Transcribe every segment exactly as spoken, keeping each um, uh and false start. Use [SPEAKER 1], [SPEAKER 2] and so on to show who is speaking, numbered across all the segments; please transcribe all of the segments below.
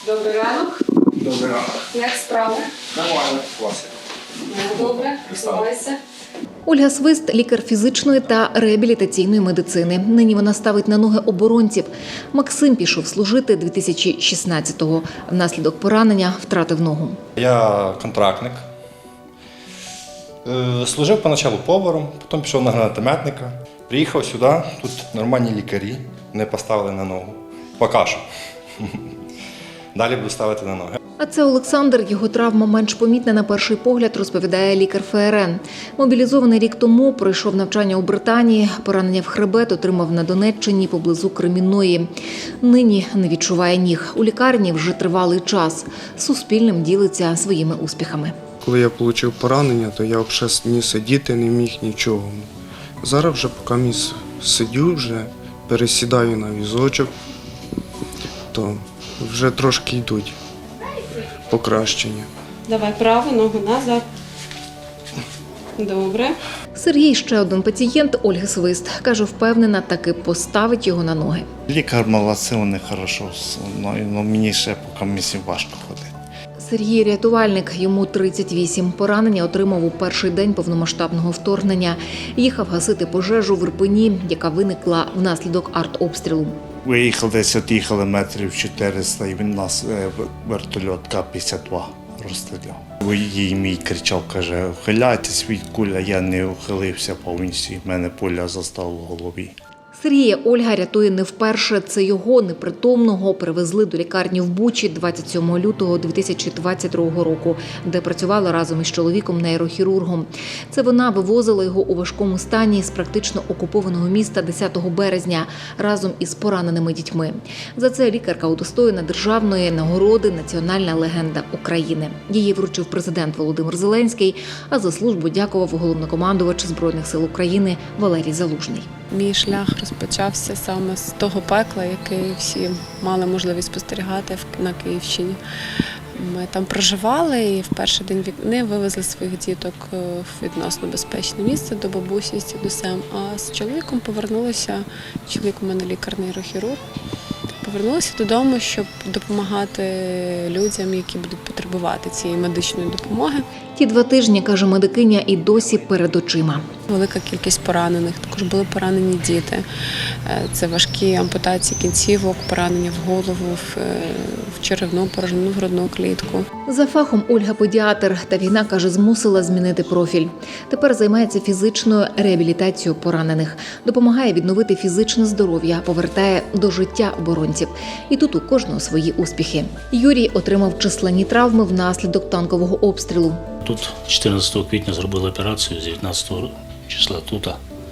[SPEAKER 1] Добрий ранок.
[SPEAKER 2] Добрий ранок.
[SPEAKER 1] Як справи?
[SPEAKER 2] Нормально, класно.
[SPEAKER 1] Добре, просувайся.
[SPEAKER 3] Ольга Свист – лікар фізичної та реабілітаційної медицини. Нині вона ставить на ноги оборонців. Максим пішов служити дві тисячі шістнадцятого. Внаслідок поранення втратив ногу.
[SPEAKER 2] Я контрактник. Е, Служив поначалу поваром, потім пішов на гранатометника. Приїхав сюди, тут нормальні лікарі, не поставили на ногу. Поки що. Далі буду ставити на ноги.
[SPEAKER 3] А це Олександр. Його травма менш помітна на перший погляд, розповідає лікар ФРН. Мобілізований рік тому, пройшов навчання у Британії, поранення в хребет отримав на Донеччині поблизу Кремінної. Нині не відчуває ніг. У лікарні вже тривалий час. Суспільним ділиться своїми успіхами.
[SPEAKER 4] Коли я отримав поранення, то я взагалі ні сидіти не міг нічого. Зараз вже поки міс сидю, вже пересідаю на візочок, то вже трошки йдуть покращення.
[SPEAKER 1] Давай праву ногу назад. Добре.
[SPEAKER 3] Сергій – ще один пацієнт Ольги Свист. Каже, впевнена, таки поставить його на ноги.
[SPEAKER 5] Лікар молодці, вони хорошо, але мені ще поки місці важко ходити.
[SPEAKER 3] Сергій – рятувальник, йому тридцять вісім. Поранення отримав у перший день повномасштабного вторгнення. Їхав гасити пожежу в Ірпені, яка виникла внаслідок артобстрілу.
[SPEAKER 5] Виїхали десь, от'їхали метрів чотириста, і він нас е, вертольот Ка п'ятдесят два розстріляв. Їй мій кричав, каже, ухиляйтесь від куля, я не ухилився повністю, в мене пуля застала в голові.
[SPEAKER 3] Сергія Ольга рятує не вперше. Це його, непритомного, перевезли до лікарні в Бучі двадцять сьомого лютого дві тисячі двадцять другого року, де працювала разом із чоловіком-нейрохірургом. Це вона вивозила його у важкому стані з практично окупованого міста десятого березня разом із пораненими дітьми. За це лікарка удостоєна державної нагороди «Національна легенда України». Її вручив президент Володимир Зеленський, а за службу дякував головнокомандувач Збройних сил України Валерій Залужний.
[SPEAKER 6] Мій шлях розпочався саме з того пекла, яке всі мали можливість спостерігати на Київщині. Ми там проживали і в перший день війни вивезли своїх діток в відносно безпечне місце до бабусі з дідусем. А з чоловіком повернулися, чоловік у мене лікар-нейрохірург, повернулися додому, щоб допомагати людям, які будуть потребувати цієї медичної допомоги.
[SPEAKER 3] Ті два тижні, каже медикиня, і досі перед очима.
[SPEAKER 6] Велика кількість поранених, також були поранені діти. Це важкі ампутації кінцівок, поранення в голову, в черевну порожнину, в грудну клітку.
[SPEAKER 3] За фахом Ольга педіатр, та війна, каже, змусила змінити профіль. Тепер займається фізичною реабілітацією поранених, допомагає відновити фізичне здоров'я, повертає до життя оборонців. І тут у кожного свої успіхи. Юрій отримав численні травми внаслідок танкового обстрілу.
[SPEAKER 7] Тут чотирнадцятого квітня зробили операцію, з дев'ятнадцятого числа тут.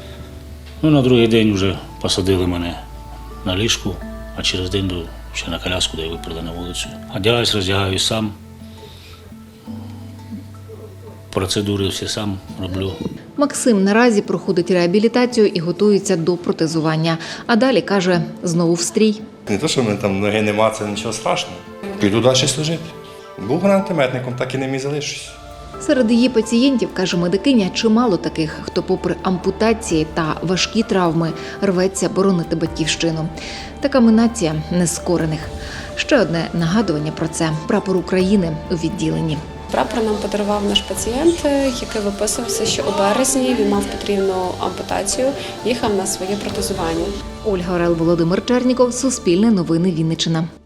[SPEAKER 7] Ну, на другий день вже посадили мене на ліжку, а через день до, ще на коляску, де виперли на вулицю. Одягаюсь, роздягаюсь сам. Процедури всі сам роблю.
[SPEAKER 3] Максим наразі проходить реабілітацію і готується до протезування. А далі, каже, знову в стрій.
[SPEAKER 2] Не те, що в мене там ноги нема, це нічого страшного. Піду далі служити. Був гранатометником, так і ним і залишусь.
[SPEAKER 3] Серед її пацієнтів, каже медикиня, чимало таких, хто попри ампутації та важкі травми рветься боронити батьківщину. Така нація нескорених. Ще одне нагадування про це – прапор України у відділенні.
[SPEAKER 6] Прапор нам подарував наш пацієнт, який виписувався, що у березні він мав потрібну ампутацію, їхав на своє протезування.
[SPEAKER 3] Ольга Орел, Володимир Черніков, Суспільне новини, Вінниччина.